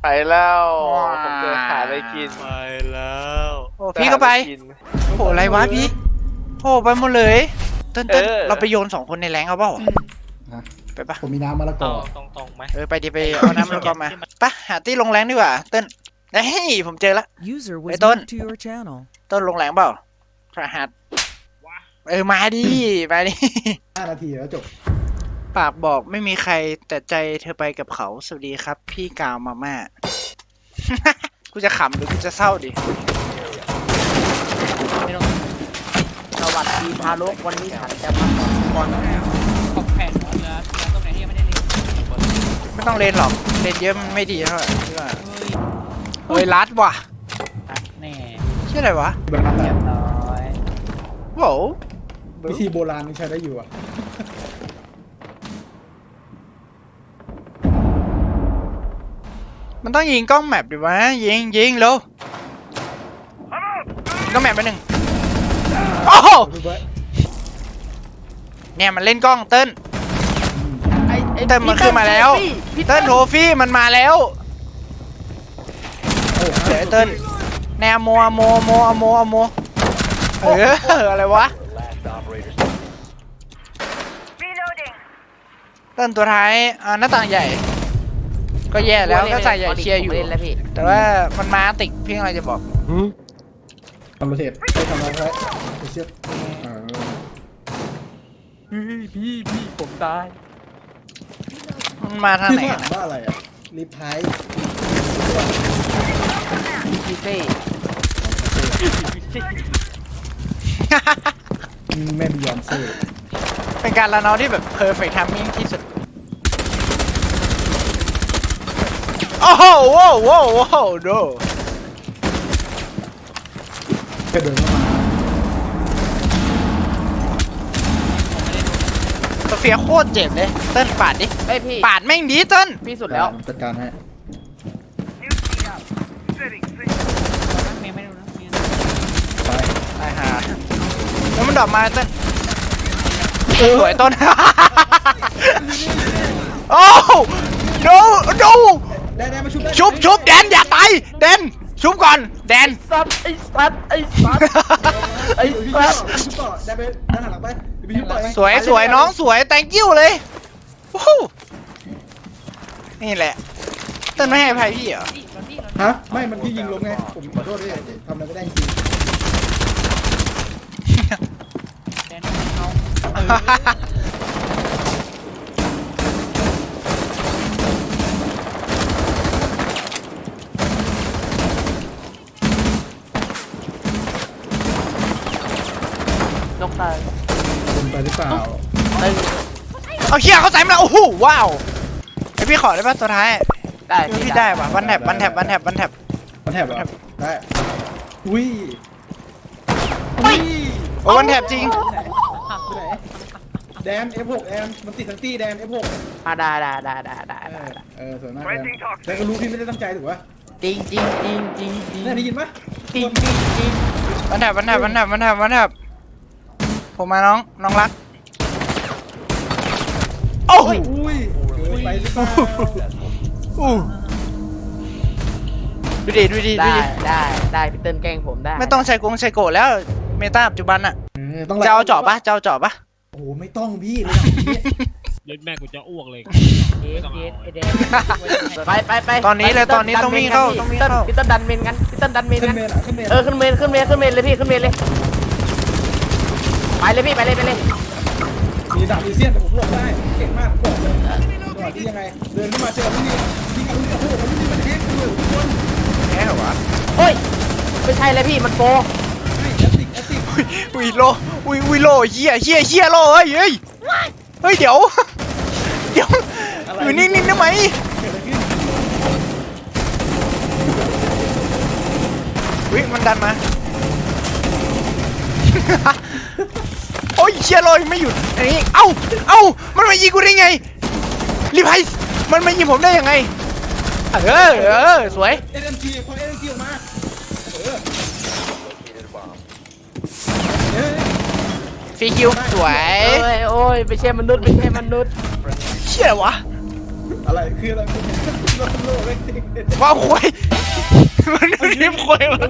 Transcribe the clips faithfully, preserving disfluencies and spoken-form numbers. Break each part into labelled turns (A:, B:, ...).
A: ไปแล้วผมจะหาอะไรกิน
B: ไปแล้ว
C: โอ้พี่ก็ไปโอ้อะไรวะพี่โอ้ไปหมดเลยเต้นเต้นเราไปโยนสองคนในแรงเอาเปล่าไปปะ
D: ผมมีน้ำมะละกอ
B: ตรงตรงไหม
C: เออไปดิไปเอาน้ำมันก็มาปะหาที่ลงแรงดีกว่าเต้นเฮ้ยผมเจอละไอ้ต้นต้นลงแรงเปล่าพระหัสเออมาดิมาดิ
D: ห้านาทีแล้วจบ
C: ปากบอกไม่มีใครแต่ใจเธอไปกับเขาสวัสดีครับพี่กาวมาม่า กูจะขำหรือกูจะเศร้าดิ
E: ไม่ต้องสวัสดีทารกวันนี้ฉันจะมาสอนของแผ่นเหลือเหลือตรงไหนที่ยังไม่ได้เล่น
C: ไม่ต้องเลนหรอกเลนเยอะมันไม่ดีเท่าไหร่พี่ว่าเฮ้ยลัดว่ะ
E: แน่
C: ชื่ออะไรวะ
D: แบบนั้นแห
E: เรี
D: ละ
E: ยบร้อย
C: โว้ว
D: วิธีโบราณนี่ใช้ได้อยู่อ่ะ
C: มันต้องยิงกล้องแมปดิวะยิงยิงเร็วกล้องแมปไปหนึ่งโอ้โหเนี่ยมันเล่นกล้องเติ้ลเติ้ลมันขึ้นมาแล้วเติ้ลโทฟี่มันมาแล้วเดี๋ยวไอ้เติ้ลแนวโมโมโมโมโมเอออะไรวะเติ้ลตัวท้ายอ่าหน้าต่างใหญ่ก็แย่แล้วก็ใส่ใหญ่เชียร์อยู่แต่ว่ามันมาติกพี่อะไรจะบอก
D: ทำโรเทตใช้ทำอะไรไปเชือก
E: พี่พี่พี่ผมตาย
C: มันมาทางไหน
D: พี่
C: กัน
D: ถามว่าอะไรอ่ะรีพาย
E: พี่เซ่
D: แม่บิยอนเซ่
C: เป็นการละเนาที่แบบ perfect timing ที่สุดโอ้โหโว้โว้โว้ดู
D: กระโดดเข้ามา
C: โซเฟียโคตรเจ็บเลยเติ้ลปาดดิ
E: เฮ้ยพี่
C: ปาดแม่งดีเติ้ล
E: พี่สุดแล้ว
D: จัดการให้
E: ไม่ไม่รู้นะ
D: ไป
C: ไอ้ห่าแล้วมันดรอปมาเติ้ลสวยต้น โอ้ no no
D: ได้ได้มาชุบได้
C: ชุบชุบแดนอย่าตายแดนชุบก่อนแดน
E: สัตว์ไอ้สัตว์ไอ้สัตว์ไอ้
D: เดี๋ยวพี่
E: สัตว์
D: ชุบต่อได้ไปด้านหลังไปเดี๋ยวพี่ชุบต่อเอง
C: สวยสวยน้องสวย thank you เลยวู้ฮู้นี่แหละเติ้ลไม่ให้อภัยพี่เหรอ
D: ฮะไม่มันพี่ยิงลงไงผมขอโทษด้วยทำอะไรไม่ได้จริง
E: แดนเขา นกตาย
D: เป็นไปหรือเปล่า
E: ตึง
C: เอาเชี่ยเขาใส่มาแล้วโอ้โหว้าวไอพี่ขอได้ป่ะตัวท้าย
E: ได้
C: พี่ได้ป่ะวันแถบวันแถบวันแถบวันแถบ
D: มันแถบเหรอได้อุ้ย
C: โอ้วันแถบจริง
D: ไปไหนแดน เอฟ หก แอมมันติดทั้งตี้แดน เอฟ หก
E: อ่ะได้ได้ได้ได้ได้
D: เออเออสวยมากแดนแต่ก็รู้พี่ไม่ได้ตั้งใจถูกปะ
E: จริงจริงจริงจริงจริง
D: เนี่ยได้ยินปะ
E: จริงจริงจริง
C: วันแถบวันแถบวันแถบวันแถบวันแถบผมมาน้องน้องรักโอ้ย
D: อุ้ยเกินไปหรือเปล่า
C: อู้ดูดิดูดิดู
E: ได้
C: ดิ
E: ได้ได้พี่เติ้ลแกล้งผมได้
C: ไม่ต้องใช้กงใช้โกะแล้วเมตาปัจจุบันอะ
D: เออต้อง
C: จะเอาเจาะปะจะเอาเจาะปะ
D: โอ้โหไม่ต้องพี่ระดับนี้
B: เล่นแม่กูจะอ้วกเลย
E: เอสเอสไอเดนไปไปไป
C: ตอนนี้เลยตอนนี้ต้องวิ่งเข้าต้องวิ่งเข้า
E: พี่เติ้ลดันเมนกันพี่เติ้ลดันเมน
D: ขึ้
E: กัน น
D: เมนอ่ะขึ้นเมน
E: เออขึ้นเมนขึ้นเมนขึ้นเมนเลยพี่ขึ้นเมนเลยไปเลยพี่ไปเลยไปเลย
D: มีดาบมีเสี้ยนแต่ผมหลบได้เก่งมากผมบอกเลยจังหวะที่ยังไงเดินขึ้นมาเจอพี่นี่พี่กับพี่กับพี่กับพี่มันแฮกเลยทุกคน
C: แค่เหรอวะ
E: โอ้ยไม่ใช่เลยพี่มันโปร
D: ให้แอตติกแอตติก
C: อุ้ยโลอุ้ยอุ้ยโลเฮียเฮียเฮียโลเฮ้ยเฮ้ยเฮ้ยเดี๋ยวเดี๋ยวอยู่นิ่งๆได้ไหม
D: เกิดอะไรขึ้น
C: วิมันดันมา โอ้ยเชียร์ลอยไม่หยุดอันนี้เอ้าเอ้ามันมายิงกูได้ไงรีไพส์มันมายิงผมได้ยังไงเออเออสวย
D: เอ็มจีพอเอ็มจีออกมาเออเออ
C: ฟรีคิวสวย
E: โอ้ยโอ้ยไม่ใช่มนุษย์ไม่ใช่มนุษย์
C: เชี่ยวะ
D: อะไรคืออะไรคุณโลกโลกเล็กจริง
C: ว้าวควยมันรีบควยมา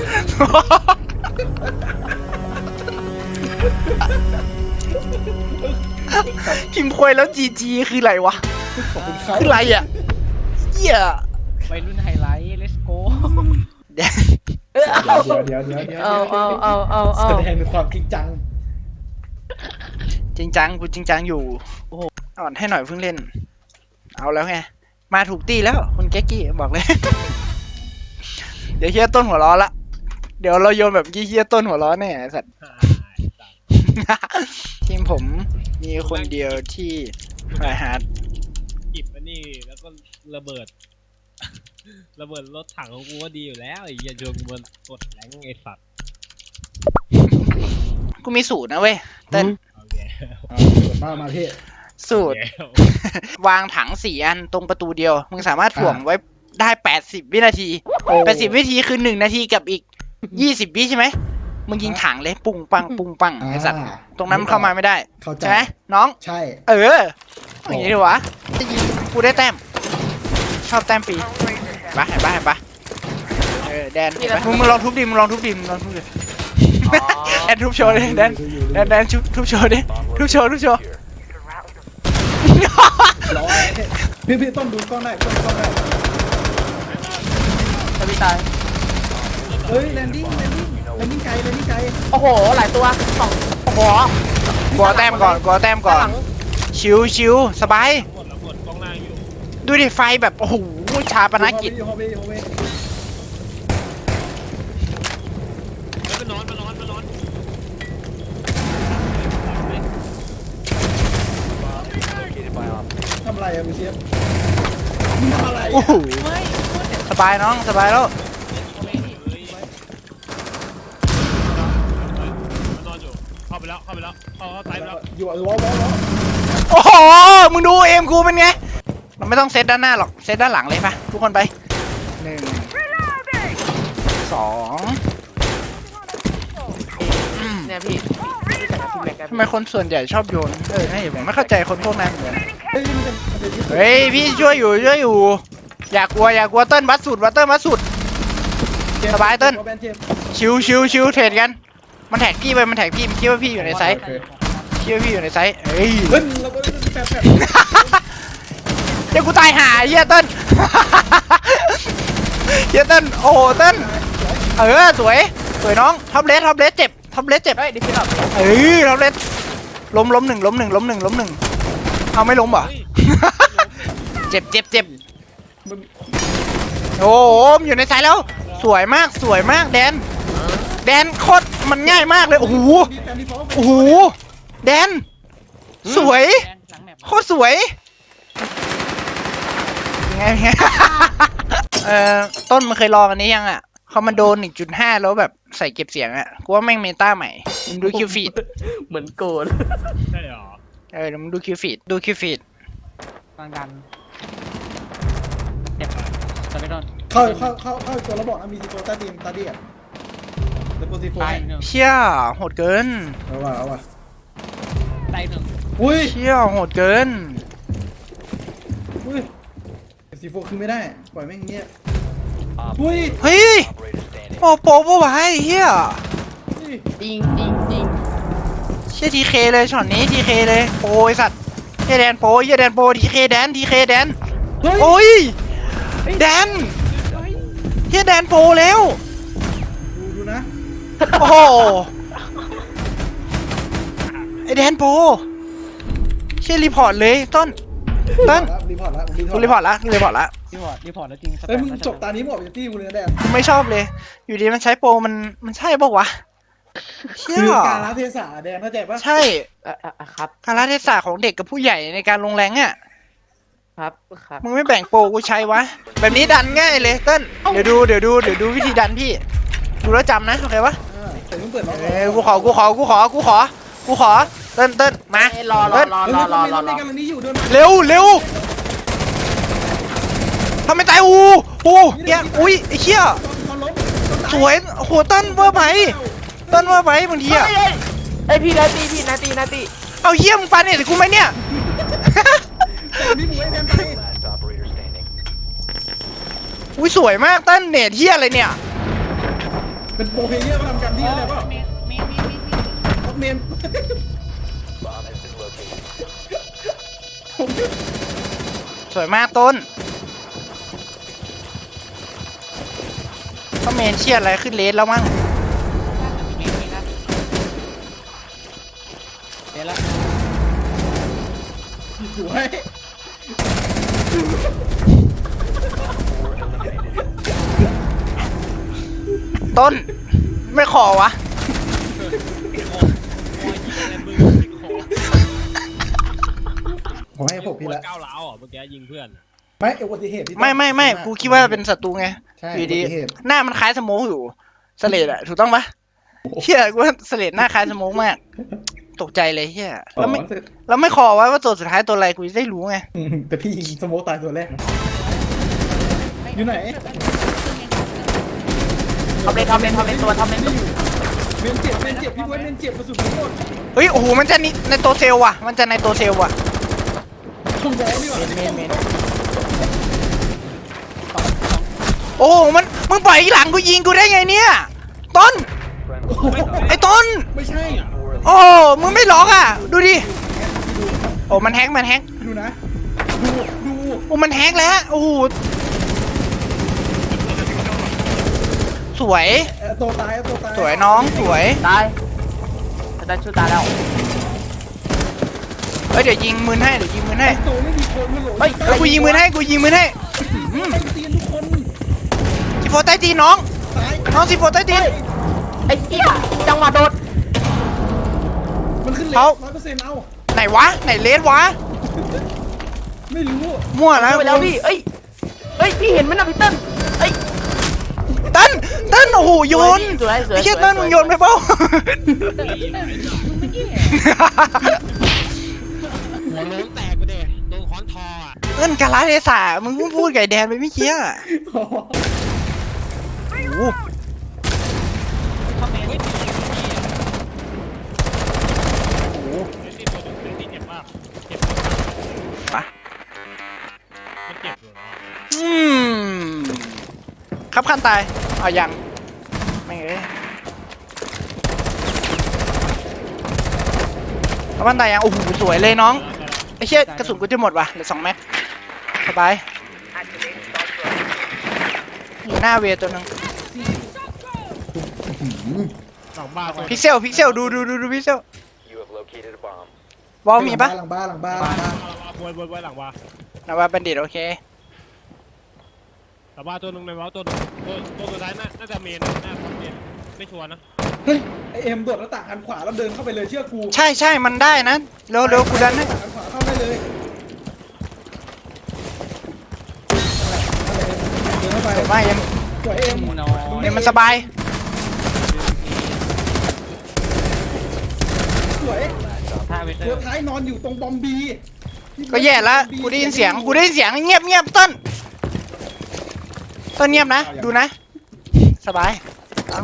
C: พิมพ์ควยแล้วจีจีคืออะไรวะ
D: ขอบคุณครับ
C: คืออะไรอ่ะเหี้ย
E: ไปรุ่นไฮไลท์ let's go
C: เดี๋ยว
D: เดี๋ยวเดี๋ยวเดี๋ยวเดี๋ยว
E: เอาเอาเอาเอาเอา
D: แสดงถึงความจริงจัง
C: จริงจังกูจริงจังอยู่โอ้โหอ่อนให้หน่อยเพิ่งเล่น เอาแล้วไงมาถูกตีแล้วคุณแก๊กกี้บอกเลย เดี๋ยวเฮียต้นหัวล้อละเดี๋ยวเราโยนแบบกี้เฮียต้นหัวล้อแน่ไอ้สัตว์ ทีมผมมีคนเดียวที่ไฟฮาร์ด
B: จิบอันนี้แล้วก็ระเบิด ระเบิดรถถังของกูก็ดีอยู่แล้วไอ้เหี้ยชวนกูมันกดแรงไอ้สัตว์
C: กูมีสูตรนะเว้ยเต้น
B: เอาแย่
D: อ่าสวยมากมาพี่
C: สูตร วางถังสี่อันตรงประตูเดียว มึงสามารถถ่วงไว้ได้แปดสิบวินาทีแปดสิบวินาทีคือหนึ่งนาทีกับอีกยี่สิบวิใช่ไหมมึงยิงถังเลยปุ้งปังปุ้งปังไอสัตว์ตรงนั้นมันเข้ามาไม่ได้
D: เข้าใจ
C: ใช่ไหมน้อง
D: ใช่
C: เอออย่างนี้ดีวะจะยิงกูได้แต้ม ชอบแต้มฟรีปะเห็นปะเห็นปะเออแดนเห็นปะมึงมึงลองทุบดิมึงลองทุบดิมึงลองทุบดิแดนทุบโชว์ดิแดนแดนแดนทุบโชว์ดิทุบโชว์ทุบโชว์
D: ร้อยพี่พี่ต้นดูกล้องได้ต้นดูกล้องได้
E: ทวิตาย
D: เฮ้ยแลนดิ้งแลนดิ้งแลนดิ้งไกลแลนดิ้งไกล
E: โอ้โหหลายตัวสองโอ้โห
C: กลัวแต้มก่อนกลัวแต้มก่อน ชิวชิวสบาย
B: หมดแล้วหมดกล้องล่างอยู่
C: ดูดิไฟแบบโอ้โหชาปนกิจ
D: โฮเวโฮเว
B: แล้วมันนอนมันนอนมันนอน
D: ทำอะไรอะมึงเชฟมึงทำอะไร
C: โอ้โหสบายน้องสบายแล้ว
B: มันนอนอยู่เข้าไปแล้วเข้าไปแล้วเข้าเข้าซ้ายไปแล้ว
D: อยู่อ่ะวอลวอลวอล
C: โอ้โหมึงดูเอ็มกูเป็นไงเราไม่ต้องเซตด้านหน้าหรอกเซตด้านหลังเลยปะทุกคนไปหนึ่งสองอืม
E: เนี่ยพี่รู้จักกับพี่แม็กกัน
C: ทำไมคนส่วนใหญ่ชอบโยนเออให้ผมไม่เข้าใจคนพวกนั้นเหมือนกัน
D: เฮ้ยมันจะมันจะยึด
C: เฮ้ยพี่ช่วยอยู่ช่วยอยู่ อย่ากลัวอย่ากลัวเติ้ลวัดสุดวัดเติ้ลวัดสุด สบายเติ้ล
D: แบนเจม
C: ชิวชิวชิวเทรดกัน มันแท็กพี่ไปมันแท็กพี่มันคิดว่าพี่อยู่ในไซส์คิดว่าพี่อยู่ในไซส์เฮ้ย
D: เฮ้ยเราก็แปดแปด
C: เดี๋ยวกูตายหาเฮียเติ้ล เฮียเติ้ลโอ้โหเติ้ลเออสวยสวยน้องท็อปเลสท็อปเลสเจ็บท็อปเลสเจ็บ
E: เฮ้ยดิฟิลล์
C: เออท็อปเลสล้มล้มหนึ่งล้มหนึ่งล้มหนึ่งล้มหนึ่งเอาไม่ล้มเหรอ เจ็บเจ็บเจ็บโอ้โหมันอยู่ในสายแล้ว สวยมากสวยมากแดน แดนโคตรมันง่ายมากเลยโอ้โหโอ้โหแดน สวยโคตรสวยยังไงยังไง เอ่อต้นมันเคยลองอันนี้ยังอ่ะคอมมานโด หนึ่งจุดห้า แล้วแบบใส่เก็บเสียงอ่ะกูว่าแม่งเมตาใหม่มึงดูคิวฟีด
E: เหมือนโกน
B: ใช่เหรอ
C: เออเดี๋ยวมึงดูคิวฟีดดูคิวฟีด
E: กลางดันเจ็บจะไม่โดน
D: เข้าเข้าเข้าเข้าตัวระบอกนะมีซีโฟตาดีมตาเดียดแล้วก็ซีโฟ
E: ตายหนึ่ง
C: เชี่ยโหดเกิน
D: เอาว่ะเอาว่ะ
E: ตายหนึ่ง
D: อุ้ย
C: เชี่ยโหดเกิน
D: อุ้ยซีโฟคือไม่ได้ปล่อยแม่งเงี้ยอุ้ย
C: เฮ้ยโอ้โปปะวะไอ้เฮีย
E: จริงจริงจริง
C: เชี่ยทีเคเลยช็อตนี้ทีเคเลยโปไอสัตว์เฮียแดนโปเฮียแดนโปทีเคแดนทีเคแดน
D: เฮ้ย
C: โอ้ยแดนเฮียแดนโปแล้ว
D: ดูดูนะ
C: โอ้โหไอแดนโปเชี่ยรีพอร์ตเลยต้นต้น
D: รีพอร์ตละรีพอ
C: กู
D: ร์ต
C: รีพอร์ตละรีพอร์ตละ
E: รีพอร์ตรีพอร์ตแล้วจริง
D: เฮ้ยมึงจบตานี้หมดเป็นตี้กูเลยนะแดน
C: ไม่ชอบเลย อยู่ดีมันใช้โปรมันมันใช่ปะวะเชี่ย
D: คือการละเทศะแดนเข้าใจปะ
C: ใช่
E: อ่ะอ่ะครับ
C: การละเทศะของเด็กกับผู้ใหญ่ในการลงแรงอ่ะ
E: ครับครับ
C: มึงไม่แบ่งโปรกูใช้วะ แบบนี้ดันง่ายเลยเต้นเดี๋ยวดูเดี๋ยวดูเดี๋ยวดูวิธีดันพี่ ดูแล้วจำนะโอเคปะ
D: อ่าแต่มึงเปิดล็อก
C: เออกูขอกูขอกูขอกูขอกูขอเต้นเต้นมา
E: เอ้ยรอรอ
C: เต้น
E: รอ
D: เฮ้ย
E: รอ
D: ร
E: ร
D: อ
E: อ
D: ร
E: ร
D: อ
E: อ
D: ร
E: ร
D: อ
E: อ
D: กันนี้อยู่เดิน
C: เร็วเร็วทำไมตายอูอูเหี้ยอุ้ยไอ้เชี่ย
D: เขาล้ม
C: สวยโอ้โหเต้นเวอร์ไปเต้นเวอร์ไปบางที
E: เฮ้
C: อะ
E: ยเฮ้ยเอ้ยพี่นาตีพี่นาตีนาตี
C: เอาเยี่ยมงปาเนี่ยกูไหมเนี่ย
D: นี่มึงไว้แดนไป
C: อุ้ยสวยมากเต้นเนตเฮียอะไรเนี่ย
D: เป็นโปรเพลเยอร์มาทำกันที่อะไรป่ะ
E: เมนเมนเมนเมน
D: ท็อปเมนผม
C: สวยมากต้นก็เมนเชียอะไรขึ้นเลสแล้วมั้ง
E: เมนเมนนะเดี๋ยวละ
D: สวย
C: ต้นไม่ขอวะ
D: ผมให้ผมพี่ละ
B: ก้าวร้าวอ่ะเมื่อกี้ยิงเพื่อน
D: ไม่อุบัติเหตุที่
C: ไม่ไม่ไม่กูคิดว่าเป็นศัตรูไง
D: ใช่
C: อยู่ดี
D: อุบัติเหตุ
C: หน้ามันคล้ายสโมกอยู่สเลดอะถูกต้องปะเฮียกูว่าสเลดหน้าคล้ายสโมกมากตกใจเลยเฮียแล้วไม่แล้วไม่ขอไว้ว่าตัวสุดท้ายตัวอะไรกูจะได้รู้ไง
D: อืมแต่พี่ยิงสโมกตายตัวแรกนะอยู่ไหน
E: ทำเลนทำเลนทำเลนตัวทำเลน
D: ไม่อยู่เมนเจ็บเมนเจ็บพี่บวยเมนเจ็บกระสุนหมด
C: เฮ้ยโอ้โหมันจะนี่ในตัวเซลล์ว่ะมันจะในตัวเซลล์ว่ะ
D: ช่องแดงนี่หว่า
C: เมนเมน โอ้โหมันมึงปล่อยอีหลังกูยิงกูได้ไงเนี่ยต้น
D: โอ้โห
C: ไอ้ต้น
D: ไม่ใช่
C: โอ้มึงไม่ล็อกอ่ะดูดิโอ้มันแฮกมันแฮก
D: ดูนะ ดูดู
C: โอ้มันแฮกแล้วโอ้โหสวย
D: เอ่อตัวตายตัวตาย
C: สวยน้องสวย
E: ตายจะได้ช่วยตายแล้ว
C: เฮ้ยเดี๋ยวยิงมือให้เดี๋ยวยิงมือให้
D: ไอ้ตัวไม่มีคนมาโหลด
E: เฮ้ย
C: เฮ้ยกูยิงมือให้กูยิงมือให้อืม
D: ไอ้เตียนทุกคน
C: ซีโฟใต้ตีนน้อง
D: ตาย
C: น้องซีโฟใต้ตีน
E: ไอ้เหี้ยจังหวะโดด
D: มันขึ้นเล
C: เขา
D: ร้อยเปอร์เซ็นต์เอา
C: ไหนวะไหนเลสวะ
D: ไม่รู้
C: มั่วแล้ว
E: ไปแล้วพี่เอ้ยเอ้ยพี่เห็นไหมนะพี่เติ้ลเอ้ย
C: เต้นเต้นโอ้โหโยน
E: สวยสวย
C: ไอ้เหี้ย
E: สวย
C: เต้นมึงโยนไปเปล่า
B: หัวโล้นแตกไปเด้โดนค้อนทออ่ะ
C: เต้นกาลาเทศะมึงเพิ่งพูดไก่แดนไปเมื่อกี้อะ
D: โอ้โห
C: โอ้โห
B: เฮ้ยตีโอ้โหเล่นที่ตัวหนึ่งเล่นที่เจ็บมากเจ็บมาก
C: ปะ
B: มันเจ็บอยู่นะ
C: อืมครับขั้นตายเอายังไม่เอ้ยครับขั้นตายยังโอ้โหสวยเลยน้องไอ้เชี่ยกระสุนกูจะหมดว่ะเหลือสองแม็กสบายอยู่หน้าเวตัวหนึง
B: สองบ้าตัว
C: พิกเซลพิกเซลดูดูดูดูพิกเซลวอลมีปะ
D: หลังบ้านหลังบ้านหลังบ้าน
B: บวยบวยบวยหลังบ้า
C: นะว่าบัณฑิตโอเค
B: หลังบ้าตัวหนึ่งในว้าตัวหนึ่งตัวตัวสุดท้ายน่าน่าจะเมนน่าจะเมนไม่ชัวร์นะ
D: เฮ้ยไอเอ็มโดดหน้าต่างหันขวาแล้วเดินเข้าไปเลยเชื่อกู
C: ใช่ใช่มันได้นะเร็วเร็วกูดันให้
D: หันขวาเข้าได้เลยเดินเข้าไป
C: เดี๋ยวมายัง
D: สวยเอ็ม
C: เนี่ยมันสบาย
D: สวย
E: ท่าเวเตอ
D: ตัว
E: ร์
D: ท้ายนอนอยู่ตรงบอมบี
C: ก็แย่ละกูได้ยินเสียงกูได้ยินเสียงเงียบเงียบต้นต้นเงียบนะดูนะ สบายเอา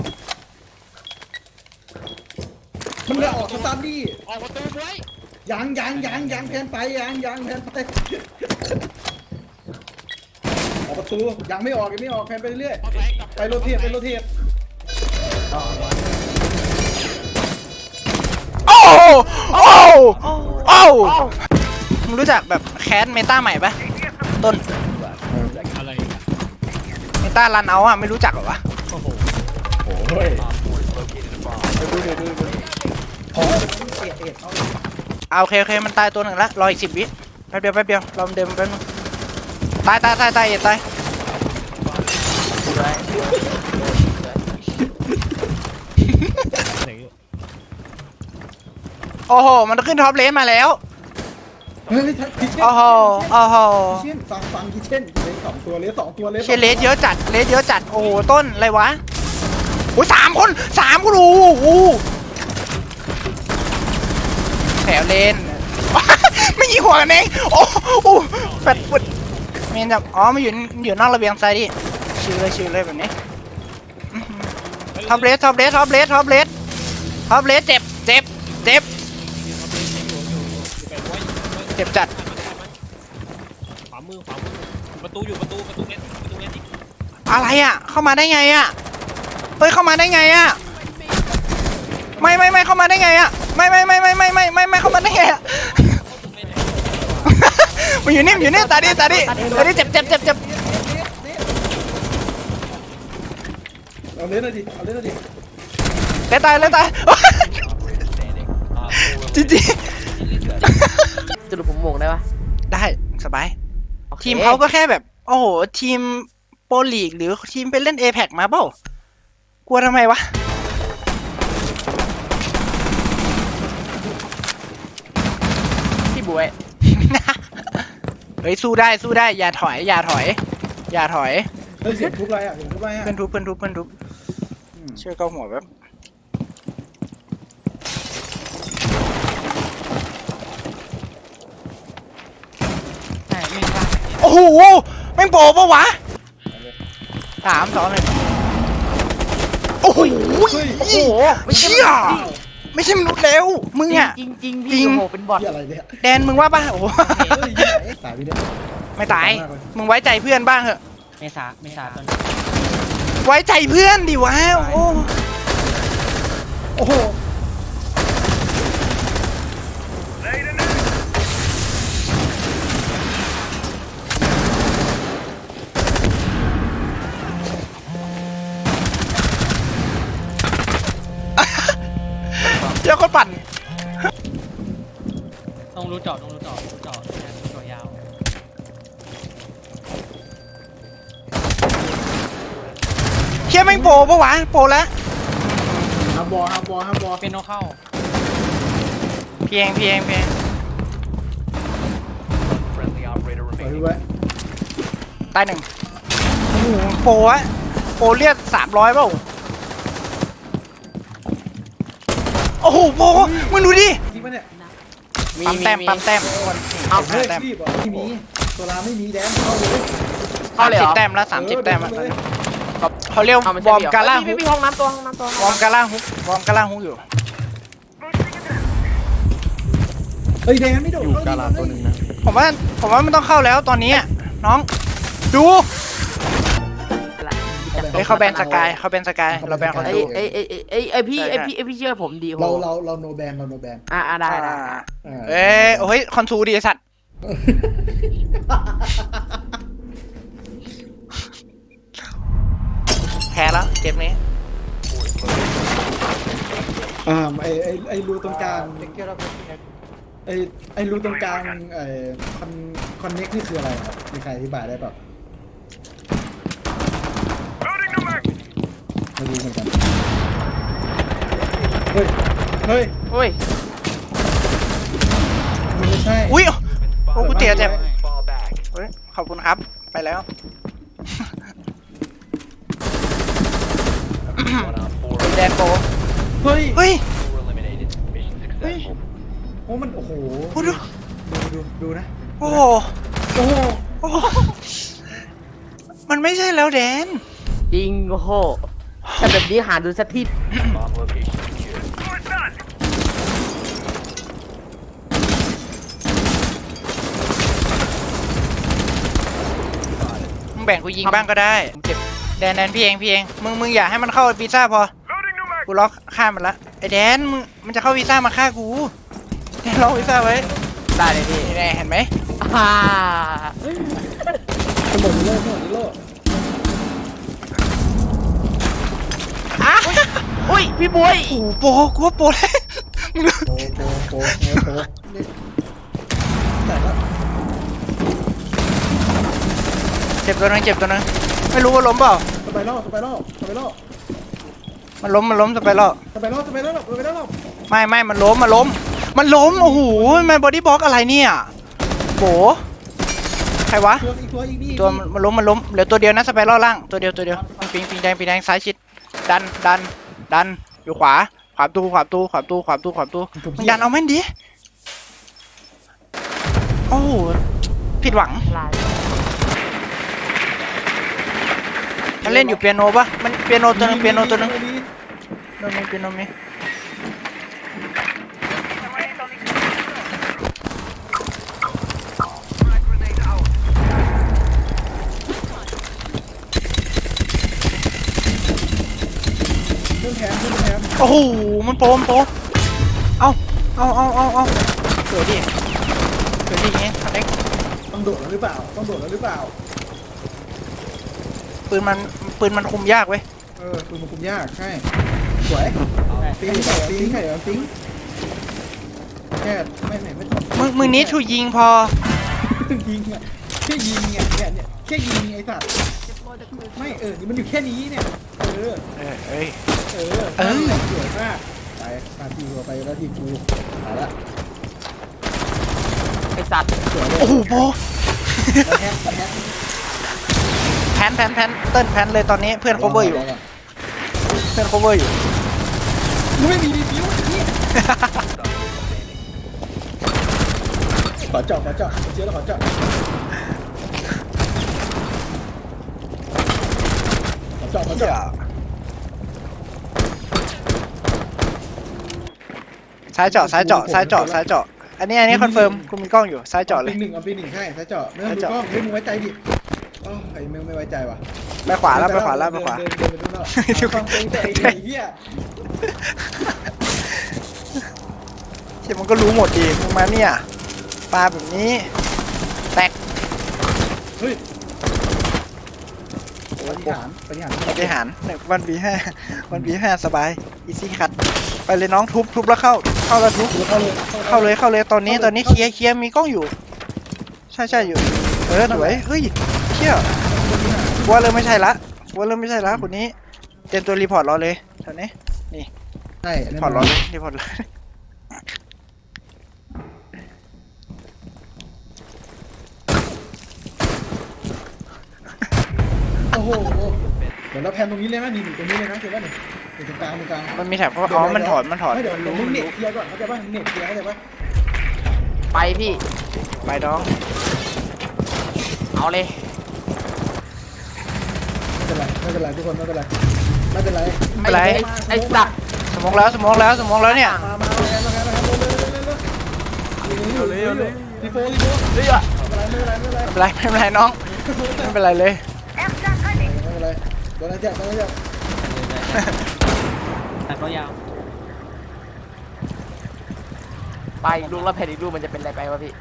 D: มันเลยออกสตาร์ทดี้
B: ออกประตูไว้
D: ยางยางยางยางแพนไปยางยางแพนไปออกประตูยังไม่ออกยังไม่ออกแพนไปเรื่อย
B: เอาไปกลับ
D: ไปโรเทตไปโรเทต
C: โอ้โอ้โอ้มึงรู้จักแบบแคสเมตาใหม่ปะต้น
B: อะไรอีกอะ
C: เมตารันเอาอะไม่รู้จักเหรอวะ
B: โอ้โห
D: โอ้ย
C: ดูดูดูดู
D: พอเอ็ดเอ็ดเอา
C: เอาโอเคโอเคมันตายตัวหนึ่งละรออีกสิบวิแป๊บเดียวแป๊บเดียวรอมันเดินแป๊บนึงตายตายตายตายอย่าตาย
B: เสียงอยู่
C: โอ้โหมันขึ้นท็อปเลนมาแล้ว
D: เฮ้ยคิเช่น
C: โอ้โหโอ้โห
D: คิเช่นฟังฟังคิเช่นเลสสองตัวเลสสองตัวเลส
C: เชยเลสเยอะจัดเลสเยอะจัดโอ้โหต้นอะไรวะโอ้ยสามคนสามคนโอ้โหแถวเลน ไม่ยิงหัวกันเองโอ้โหแฟดฟุตเมนแบบอ๋อมาอยู่อยู่นอกระเบียงซ้ายดิชิวเลยชิวเลยแบบนี้ท็อปเลสท็อปเลสท็อปเลสท็อปเลสท็อปเลสเจ็บเจ็บเจ็บเจ็บจัด
B: ขวามือขวามือประตูอยู่ประตูประตูเน็ตประตูเน็ตอีก
C: อะไรอ่ะเข้ามาได้ไงอ่ะเฮ้ยเข้ามาได้ไงอ่ะไม่ไม่ไม่เข้ามาได้ไงอ่ะไม่ไม่ไม่ไม่ไม่ไม่ไม่ไม่เข้ามาได้ไงอ่ะมันอยู่นี่อยู่นี่ตาดิตาดิตาดิเจ็บเจ็บเจ็บเจ็บ
D: เอาเล่นหน่อยดิเอาเล่นหน่อยดิ
C: เลยตายเลยตายจริงจริง
E: สรุปผมโหมงได้ปะ
C: ได้สบาย
E: โอค
C: ทีมเขาก็แค่แบบ โอ้โห ทีมโปรลีกหรือทีมไปเล่น เอ พี อี ซี มาเปล่ากลัวทำไมวะ
E: พี่บวย
C: เฮ้ย สู้ได้สู้ได้ อย่าถอย อย่าถอย อย่าถอย
D: เฮ้ยเสียงทุบอะไรอ่ะเสียงทุบอะไรอ่ะ
C: เพื่อนทุบเพื่อนทุบเพื่อนทุบ
D: อืม
C: เชื่อเก้าหัวแบบโอ้โหแม่งโปรปะวะสามสองหนึ่งโอ้โห
E: โอ้โหไม่ใช่
C: เชี่ยไม่ใช่มนุษย์แล้วมึงอ่ะ
E: จริงจริงๆ
C: จริ
E: พี่
C: ง
E: โอ้โหเป็นบอท
D: เหี้ยอะไรเนี่ย
C: แดนมึงว่าป่ะโอ้โห
D: เฮ้ยยี่ไหนตายไปเนี่ย
C: ไม่ตาย มึงไว้ใจเพื่อนบ้างเหอะ
E: เมษาเมษาตอน
C: ไว้ใจเพื่อนดิวะโอ้
D: โอ้โห
C: เจ้าคนปั่น
B: ต้องรู้เจาะต้องรู้เจาะรู้เจาะรู้เจาะยาว
C: เชี่ยแม่งโปรปะวะโปรแล้ว
D: ห้ามบอลห้ามบอลห้ามบอล
B: เป็นโนเข้า
C: เพียงเพียงเพียง
D: ปล่อยไว้
C: ตายหนึ่งโอ้โหโปรอะโปรเรียกสามร้อยเปล่าโอ้โหโปรมึงดูดิ
D: จริงปะเนี่ย
C: ปั๊มแต้มปั๊มแต้ม
D: เอา
C: สิบ
D: เฮ้
C: ห้าย แต้ม
D: รีบเหรอไม่มีตัวลาไม่มีแดนเข้าเลย
E: เข้าเลยเหร
C: สิบ
E: อ
C: แต้มแล้วสามสิบแต้มแล้ว
D: เออเลย
C: เขาเรียก
E: เอามัน
C: ว
E: ใช่
C: อร์ม
E: เหร
C: กาล่า
E: เฮ้
C: ฮุ
E: ย
C: ก
E: พี่ห้องน้ำตัวห้องน้ำตัว
C: วอร์มกาล่าฮุกวอร์มกาล่าฮุกอยู่
D: เฮ้ยแดนไม่โดดอยู่กาลาตัวนึงนะ
C: ผมว่าผมว่าไม่ต้องเข้าแล้วตอนนี้อะน้องดูเฮ้ยเขาแบนสกายเขาแบนสกายเราแบนเขา
E: ไอ้
C: ดู
E: ไอ้ไอ้ไอ้ไอ้ไอ้พี่ไอ้พี่ไอ้พี่เชื่อผมดีโห
D: เราเราเราโนแบนเราโนแบน
E: อ่าอ่าได้ได้
C: เอ้ยโอ้ยคอนทูดีไอ้สัตว์แพ้แล้วเกมนี้
D: อ่าไอไอไอรูตรงกลางไอไอรูตรงกลางไอคอนคอนเน็กนี่คืออะไรครับมีใครอธิบายได้ป่ะไม่รู้เหมือนกันเฮ้ยเฮ้ย
E: โอ้ย
D: มันไม่ใช่
C: อุ้ยโอ้กูเจ็บเจ็บเฮ้ยขอบคุณครับไปแล้วแดนโป
D: เฮ้ย
C: เฮ้ย
D: เฮ้ยโอ้มันโอ้โห
C: โอ้ดู
D: ดูดูดูนะ
C: โอ้โห
D: โอ้โห
C: โอ้โหมันไม่ใช่แล้วแดน
E: จริงโอ้โหแต่แบบนี้หาดูสักที
C: มึงแบ่งกูยิงบ้างก็ได้ผมเจ็บแดนแดนพี่เองพี่เองมึงมึงอย่าให้มันเข้าวีซ่าพอกูล็อกฆ่ามันละไอ้แดนมึงมันจะเข้าวีซ่ามาฆ่ากูแดนล็อกวีซ่าไว้
E: ได้เลยพี่
C: นี่แน่เห็นไหม
E: อ่า
D: สมองโลกสมองโลก
C: อ่ะ
E: อุ้ยพี่บวย
C: โอ้โหโปกูว่าโปแล้วมึงดู
D: โปโปโปโปโปนี่แต่ละ
C: เจ็บตัวนึงเจ็บตัวนึงไม่รู้ว่าล้มเปล่า
D: สไปรอบสไปรอบสไปรอบ
C: มันล้มมันล้มจะไปแล้ว
D: สไปรอบสไปรอบสไปรอบ
C: ไม่ไม่มันล้มมันล้มมันล้มโอ้โหมันบอดี้บล็อกอะไรเนี่ยโบใครวะ
D: ตัวอีกตัวอีกนี่
C: ตัวมันมันล้มมันล้มเหลือตัวเดียวนะสไปรัลล่างตัวเดียวตัวเดียวปิงปิงแดงปิงแดงซ้ายชิดดันดันดันอยู่ขวาขวาตู้ขวาตู้ขวาตู้ขวาตู้ขวาตู้มึงดันเอาแม่นดิโอ้โหผิดหวัง
E: ลาย
C: มันเล่นอยู่เปียโนปะมันเปียโนตัวนึงเปียโนตัวนึงโนมีเปียโนมี
D: ขึ้นแทนขึ้นแทน
C: โอ้โหมันโปมโปมเอาเอาเอาเอาเอาสวยดิสวยดิอย่างงี้คอนเน็ก
D: ต้องโดดแล้วหรือเปล่าต้องโดดแล้วหรือเปล่า
C: ปืนมันปืนมันคุมยากเว้ย
D: เออปืนมันคุมยากใช่สวยปิ้งใส่ปิ้งใส่ปิ้งแค่ไม่ไม่ไม่
C: มึงมึงนี้ชูยิงพอ
D: ยิงอ่ะแค่ยิงเนี่ยเนี่ยเนี่ยแค่ยิงไอ้สัตว์ไม่เออนี่มันอยู่แค่นี้เนี่ยเออ
C: เออเอ้ย
D: เออเออสวยมากไปมาทีกูไปแล้วทีกูไปละ
E: ไอสัตว์
D: สวยเลย
C: โอ้โหโป
D: แฮกแฮก
C: แพนแพนแพนเติ้ลแพนเลยตอนนี้เพื่อน cover อยู่เพื่อน cover อยู่
D: มึงไม่มีรีวิวไอ้นี่ขอเจาะขอเจาะเชื่อแล้วขอเจาะขอเจาะขอเจาะ
C: ซ้ายเจาะซ้ายเจาะซ้ายเจาะซ้ายเจาะอันนี้อันนี้คอนเฟิร์มกูมีกล้องอยู่ซ้ายเจาะเลย
D: ปีหนึ่งเอาปีหนึ่งใช่ซ้ายเจาะไม่ต้องดูกล้องเฮ้ยมึงไว้ใจดิอ๋อไอ้มึงไม่ไว้ใจว่ะ
C: ไปขวาแล้วไปขวาแล้วไปขวา
D: เดินเดินไปดูแล้วฟังเพลงแต่ไอ้เหี้ย
C: ที่มันก็รู้หมดดีมึงมาเนี่ยปลาแบบนี้แตก
D: เฮ้ยปฏิหารปฏิหาร
C: บริหารวันบีห้าวันบีห้าสบายอีซี่คัดไปเลยน้องทุบทุบแล้วเข้าเข้าแล้วทุบ
D: เข้าเลย
C: เข้าเลยเข้าเลยตอนนี้ตอนนี้เคลียร์เคลียร์มีกล้องอยู่ ใช่ใช่อยู่เออสวยเฮ้ยเชี่ยว่าเริ่มไม่ใช่ละว่าเริ่มไม่ใช่ละคนนี้เตรียมตัวรีพอร์ตรอเลยแถวนี้
D: ใช่
C: รีพอร์ตรอเลยรีพอร์ตเลย
D: โอ้โหเดี๋ยวเราแพนตรงนี้เลยไหมนี่ตรงนี้เลยนะเดี๋ยวว่าหนึ่งตรงกลางตรงกลาง
C: มันมีแถบเขาอ๋อมันถอนมันถอน
D: ไม่เดี๋ยว
C: มัน
D: เดี๋ยว
C: รู้
D: มึง
C: มัน
D: เน็ต
C: รู้
D: เคลียร์ก่อนเข้าใจป่ะเน็ตเคลียร์เข้าใจป่ะ
E: ไปพี่
C: ไปน้อง
E: เอาเลย
D: ไม่เป็นไรไม่เป็นไรทุกคนไม่เป็นไรไม่เป็นไร
C: ไม่เป็นไร
E: ไอ้ไอ้สัตว์
C: สมองแล้วสมองแล้วสมองแล้วเนี่ย
D: มามาแพนมาแพนมาแพนเร็วเร็วเร็วเร็วเร็วเร็วเร็วเร็วเร็วทีโฟทีโฟ
E: เฮ้ยอะ
D: ไม่เป็นไรไม่เป็นไร
C: ไม่เป็นไรไม่เป็นไรน้องไม่เป็นไรเลย
D: ไม่เป็นไรโดนอะไรเจ็บโดนอะไรเจ็บ
B: แต่ก็ยาว
E: ไปลูกแล้วแผ่นอีกลูกมันจะเป็นอะไรไปวะพี่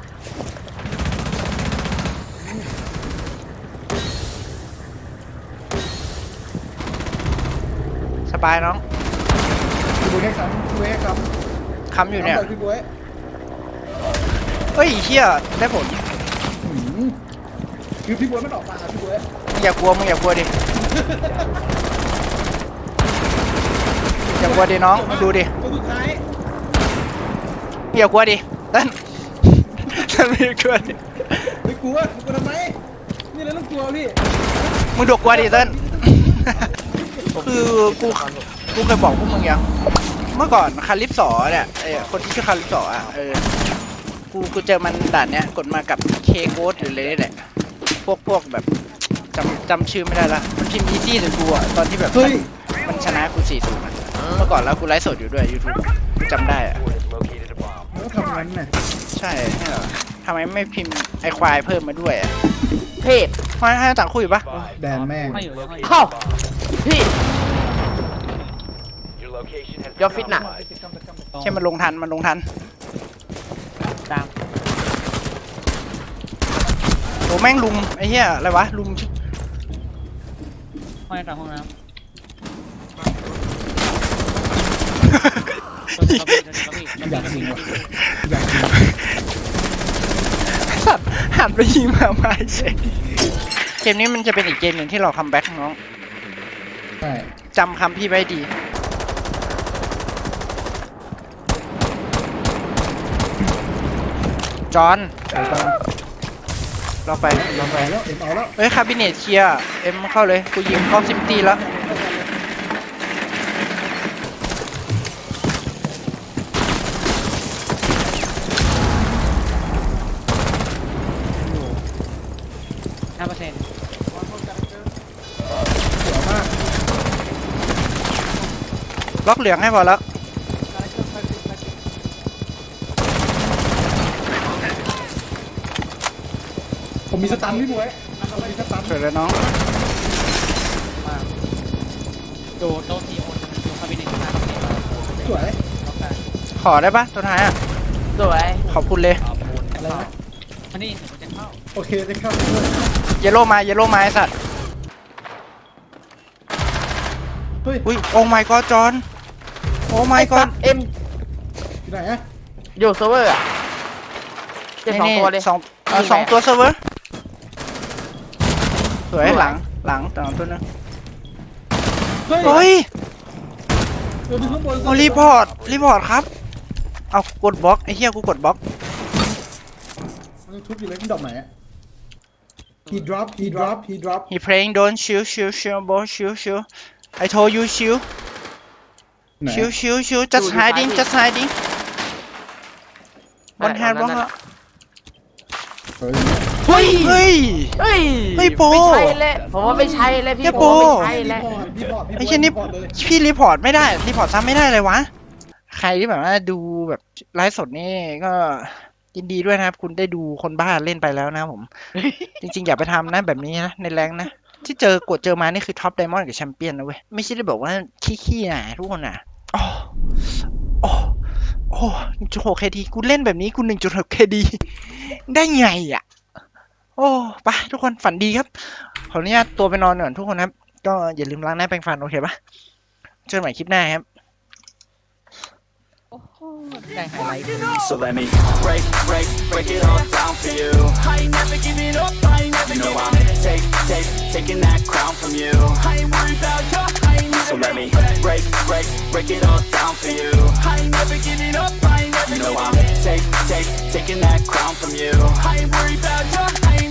C: สบายน้อง
D: พี่บุ้ยให้คำพี่บุ้ยให้คำ
C: ค้ำอยู่เนี่ย
D: คำไปพี่บุ้ย
C: เฮ้ยเชี่ยได้ผล
D: คือพี่บุ้ยมันออกมาพี่บุ้ย
C: มึงอย่ากลัวมึงอย่ากลัวดิอย่ากลัวดิน้องมึงดูดิ
D: ตัวสุดท้าย
C: มึงอย่ากลัวดิเต้นเต้นไม่กลัวดิ
D: ไม่กลัวกลัวทำไมนี่เราต้องกลัวพี่
C: มึงดกกลัวดิเต้นคือกูกูเคยบอกพวกมึงยังเมื่อก่อนคาริปสอเนี่ยไอ้คนที่ชื่อคาริปสออ่ะเออกูกูเจอมันด่านเนี้ยกดมากับเคโกดหรืออะไรนี่แหละพวกพวกแบบจำจำชื่อไม่ได้ละมันพิมพ์อีซี่ถึงกูอ่ะตอนที่แบบ
D: เฮ้ย
C: มันชนะกูสี่ศูนย์เมื่อก่อนแล้วกูไลฟ์สดอยู่ด้วยยูทูบจำได้อ่ะ
D: มันก็ทำงั้นน่ะ
C: ใช่เนี่ยเหรอทำไมไม่พิมพ์ไอควายเพิ่มมาด้วยอ่ะ
E: เพศ
C: ให้ให้ต่างคุยปะ
D: แดนแม่ง
B: ไม่อยู่ไม่อยู่
E: เข้าพี่ยอฟิตน่ะ
C: แค่มันลงทันมันลงทัน
B: ตาม
C: โอ้แม่งลุมไอ้เหี้ยอะไรวะลุม
B: ห้องน้ำห้องน้ำ
D: อยากยิงว่ะอยากยิง
C: สัตว์หันไปยิงมาไม่ใช่เกมนี้มันจะเป็นอีกเกมหนึ่งที่เราคัมแบ็กน้อง
D: ใช่
C: จำคำพี่ไว้ดีจอห์น
D: ไปตาม
C: เราไปเราไป
D: ไปแล้วเอ็มเอาแล้ว
C: เฮ้ยคาบิเนตเคลียร์เอ็มเข้าเลยกูยิงครอบซิมตีแล้ว
B: ห้าเปอร์เซ็นต์
D: เสียวมาก
C: ล็อกเหลืองให้พอแล้ว
D: ผมมีสตันพี่บุ้ยผมมีสตัน
C: สวยเลยน้อง
B: มาโดดโต๊ะทีโอนดูคาบิเนต
C: ขอได้ปะตัวท้ายอ่ะ
E: สวย
C: ขอบคุณเลย
D: อะไรนะ
B: อันนี้มันจะเข้า
D: โอเคจะเข้าไปด้วย
C: เยลโล่มาเยลโล่มาไอ้สัตว์
D: เฮ้ย
C: อุ้ยโอ้ my god จอนโอ้ my
E: ไอ้สั
C: god
E: ตว์เอ็ม
D: อยู่ไหนอะ
E: อยู่เซิร์ฟเวอร์อะเจ็บสองตัวเลย
C: สองเอ่อ
E: ยิงไป
C: สองตัวเซิร์ฟเวอร์สวย
E: สวย
C: หลังหลังต่างตัวนึง
D: เฮ้ย
C: เฮ้ย
D: เออดูข้างบน
C: โอ้รีพอร์ตรีพอร์ตครับเอากดบล็อกไอ้เหี้ยกูกดบล็อก
D: มันยังทุบอยู่เลยมันดอกไหนอะ he drop he drop he drop
C: he playing don't chill chill chill bro chill chill I told you chill
D: ไหน
C: chill chill chill just
E: อยู่
C: hiding
E: ซ้ายดิ
C: just hiding บนแฮนด์บล็อก
E: นั่น
C: ฮะ
E: น่ะ
D: เฮ้ย
C: เฮ้ยเฮ้ย
E: เฮ้ย
C: เฮ้ยโป
E: ไม่ใช่แล้วผมว่าไม่ใช่แล้วพี่
C: เฮ้ย
E: ผ
C: โป
E: มว่าไม่ใช่แล้ว
D: รีพอร์ตรีพอร์ต
C: ไอ้เช่นนี่
D: รีพอร์ตเลย
C: พี่รีพอร์ตไม่ได้รีพอร์ตซ้ำไม่ได้เลยวะใครที่แบบว่าดูแบบไลฟ์สดนี่ก็ยินดีด้วยนะครับ คุณได้ดูคนบ้าเล่นไปแล้วนะครับผม จริงๆ อย่าไปทำนะแบบนี้นะในแรงนะ ที่เจอกดเจอมานี่คือท็อปไดมอนด์กับแชมเปี้ยนนะเว้ย ไม่ใช่ได้บอกว่าขี้ๆนะทุกคนนะโอ้โอ้โอ้หนึ่งจุดหกเคดีกูเล่นแบบนี้กูหนึ่งจุดหกเคดีได้ไงอ่ะ โอ้ไปทุกคนฝันดีครับ ขออนุญาตตัวไปนอนก่อนทุกคนครับ ก็อย่าลืมล้างหน้าแปรงฟันโอเคปะเจอกันใหม่คลิปหน้าครับ
E: ได้ไฮไลท์
F: So let me break, break, break it all down for you. I ain't never giving up, I ain't never you know I'm take, take, taking that crown from you. I ain't worried about you, I ain't never So let me break, break, break it all down for you. I ain't never giving up, I ain't never you know I'm take, take, taking that crown from you. I ain't worried about you,